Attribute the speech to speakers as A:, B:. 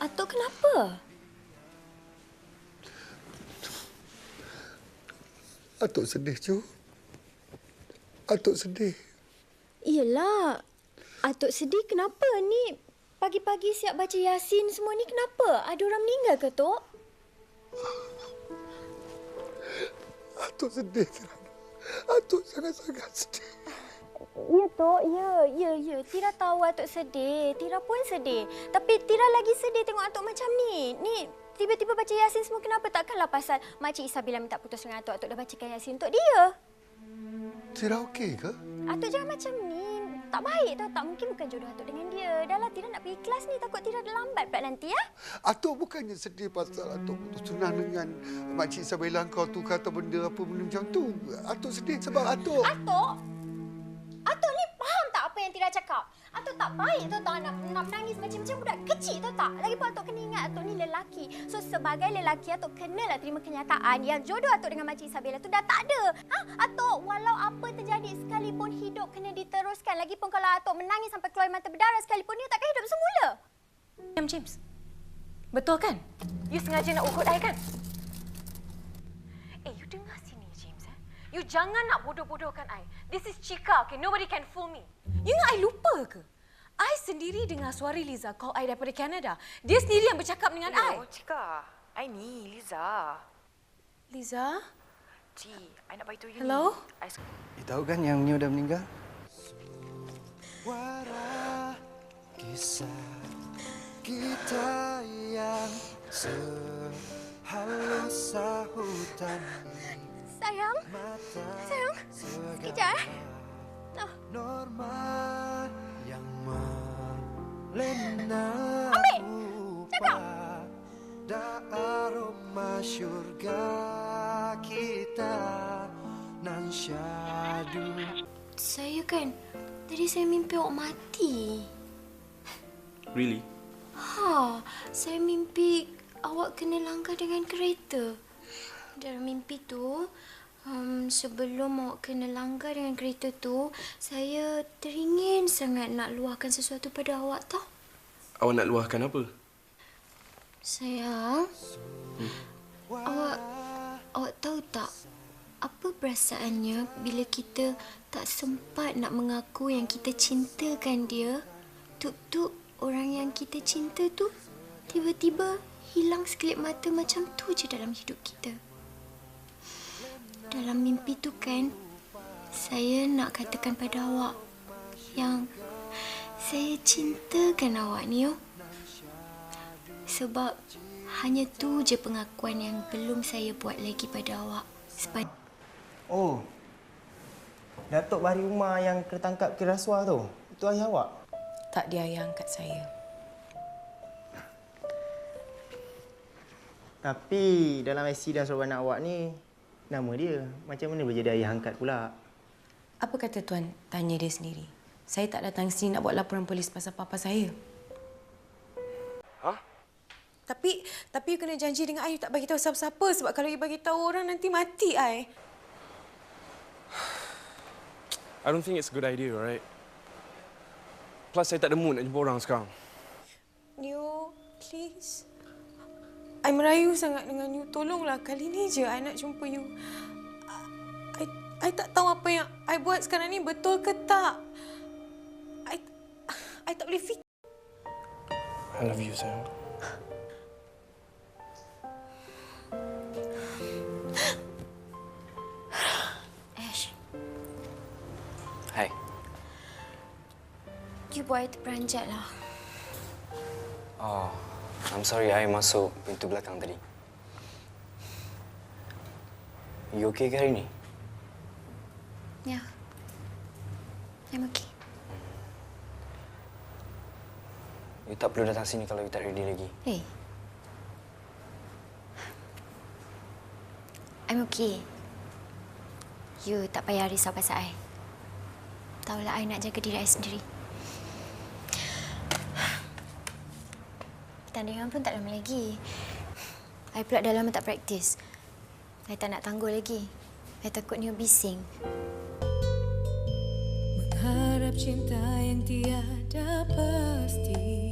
A: Atuk kenapa?
B: Atuk sedih, Cu. Atuk sedih.
A: Iyalah. Atuk sedih kenapa ni? Pagi-pagi siap baca Yasin semua ni kenapa? Ada orang meninggal ke, Tok?
B: Atuk sedih, Kirana. Atuk sangat-sangat sedih.
A: Ya, Tok. Ya. Tira tahu Atuk sedih. Tira pun sedih. Tapi Tira lagi sedih tengok Atuk macam ni. Ni, tiba-tiba baca Yasin semua kenapa? Takkanlah pasal Makcik Isabella minta putus dengan Atuk. Atuk dah bacakan Yasin untuk dia.
B: Tira okey ke?
A: Atuk jangan macam ni. Tak baik tau. Tak mungkin bukan jodoh Atuk dengan dia. Dah lah, Tira nak pergi kelas ni. Takut Tira dah lambat pula nanti, ya?
B: Atuk bukannya sedih pasal Atuk putus tunang dengan Makcik Isabella kau tu kata benda apa benda macam tu. Atuk sedih sebab Atuk...
A: Atuk ni faham tak apa yang Tira cakap? Atuk tak baik tau tak nak menangis macam budak kecil tau tak? Lagipun Atuk kena ingat Atuk ni lelaki. So sebagai lelaki Atuk kenalah terima kenyataan yang jodoh Atuk dengan Makcik Isabella tu dah tak ada. Atuk walau apa terjadi sekalipun hidup kena diteruskan. Lagipun kalau Atuk menangis sampai keluar mata berdarah sekalipun dia takkan hidup semula.
C: James. Betul kan? You sengaja nak ugut I kan? You dengar sini James. You jangan nak bodoh-bodohkan I. This is Chika, okay? Nobody can fool me. You ingat I lupa ke? I sendiri dengar suara Liza call I daripada Canada. Dia sendiri yang bercakap dengan I.
D: Hello, Chika. I ni, Liza.
C: Liza?
D: Ci, I nak beritahu you
C: Hello?
D: ni.
E: You tahu kan yang Neo dah meninggal? Suara kisah kita yang sehalus sahutan.
A: Sayang, sekejap
E: Norma yang melena da aroma syurga kita nan syadu.
A: Saya kan, tadi saya mimpi awak mati.
F: Really?
A: Saya mimpi awak kena langgar dengan kereta. Dalam mimpi tu, sebelum awak kena langgar dengan kereta tu, saya teringin sangat nak luahkan sesuatu pada awak tau.
F: Awak nak luahkan apa?
A: Sayang, awak tahu tak apa perasaannya bila kita tak sempat nak mengaku yang kita cintakan dia? Tuk-tuk orang yang kita cinta tu tiba-tiba hilang sekelip mata macam tu je dalam hidup kita. Dalam mimpi tu kan, saya nak katakan pada awak yang saya cintakan awak ni, sebab hanya tu je pengakuan yang belum saya buat lagi pada awak.
G: Oh, Datuk Bahri Umar yang kena tangkap kira rasuah tu, itu ayah awak?
C: Tak, dia ayah angkat saya.
G: Tapi dalam IC dan surat anak awak ni, nama dia. Macam mana boleh jadi ayah angkat pula?
C: Apa kata tuan tanya dia sendiri? Saya tak datang sini nak buat laporan polis pasal papa saya. Tapi you kena janji dengan I, you tak bagi tahu siapa-siapa, sebab kalau you bagi tahu orang nanti mati I.
F: I don't think it's a good idea, right? Plus, saya tak ada mood nak jumpa orang sekarang.
C: Neo, please. I merayu sangat dengan you. Tolonglah kali ni je I nak jumpa you. I tak tahu apa yang I buat sekarang ni betul ke tak. I tak boleh fikir.
F: I love you, sayang.
A: Ash,
E: Hai.
A: you buat I terperanjat lah.
E: Oh, I'm sorry, I masuk pintu belakang tadi. You okay ke hari ni?
A: Ya, I'm okay.
E: You tak perlu datang sini kalau you tak ready lagi.
A: Hey, I'm okay. You tak payah risau pasal I. Tahulah I nak jaga diri I sendiri. Pertandingan pun tak lama lagi. I pula dah lama tak praktis. I tak nak tangguh lagi. I takut Neo bising.
C: Mengharap cinta yang tiada pasti.